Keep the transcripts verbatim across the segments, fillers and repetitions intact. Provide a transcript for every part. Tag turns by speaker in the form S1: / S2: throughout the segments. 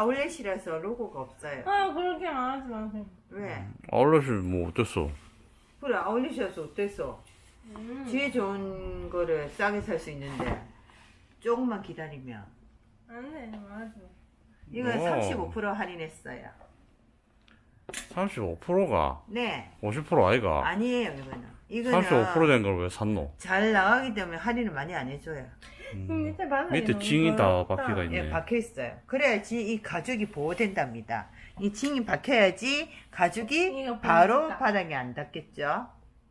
S1: 아울렛이라서 로고가 없어요.
S2: 아, 그렇게 말하지 마세요.
S1: 왜?
S3: 아울렛을 뭐 어땠어?
S1: 그래, 아울렛이라서 어땠어?
S2: 음.
S1: 뒤에 좋은 거를 싸게 살 수 있는데 조금만 기다리면
S2: 안 돼, 말하지 마.
S1: 이건
S3: 오.
S1: 삼십오 퍼센트 할인했어요.
S3: 삼십오 퍼센트가
S1: 네,
S3: 오십 퍼센트 아이가?
S1: 아니에요 이거는. 이거는
S3: 삼십오 퍼센트 된 걸 왜 샀노?
S1: 잘 나가기 때문에 할인을 많이 안 해줘요.
S2: 음, 밑에 바닥에
S3: 밑에
S2: 너무
S3: 징이 다
S2: 더럽다.
S3: 박혀가 있네.
S1: 예, 박혀 있어요. 그래야지 이 가죽이 보호된답니다. 이 징이 박혀야지 가죽이
S2: 이거
S1: 바로
S2: 보여준다.
S1: 바닥에 안 닿겠죠.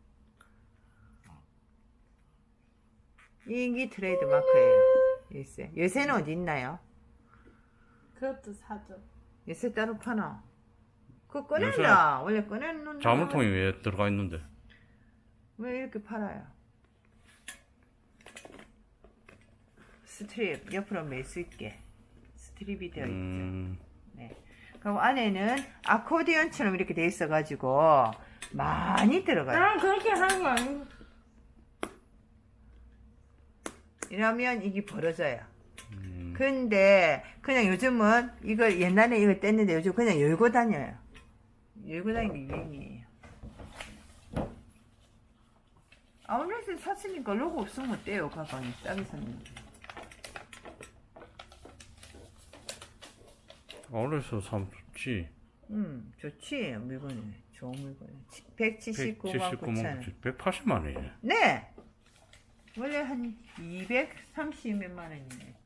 S1: 이게 트레이드 마크예요. 요새 요새는 어디 있나요?
S2: 그것도 사줘.
S1: 요새 따로 파나? 그거 꺼낸다. 원래 꺼내놓는
S3: 자물통이 왜 들어가 있는데?
S1: 왜 이렇게 팔아요? 스트립 옆으로 멜 수 있게 스트립이 되어 있죠.
S3: 음,
S1: 네. 그럼 안에는 아코디언처럼 이렇게 돼 있어가지고 많이 들어가요.
S2: 아, 그렇게 하는 거 아니고.
S1: 이러면 이게 벌어져요.
S3: 음.
S1: 근데 그냥 요즘은 이거 옛날에 이거 뗐는데 요즘 그냥 열고 다녀요. 열고 다니는 게 유행이에요. 아울렛에 샀으니까 로고 없으면 어때요? 가방이 싸게 샀는데.
S3: 아울렛에서 사면 좋지.
S1: 음, 좋지. 물건이. 좋은 물건이. 백칠십구만 구천 원.
S3: 백팔십만 원이네.
S1: 네! 원래 한 이백삼십 몇만 원이네.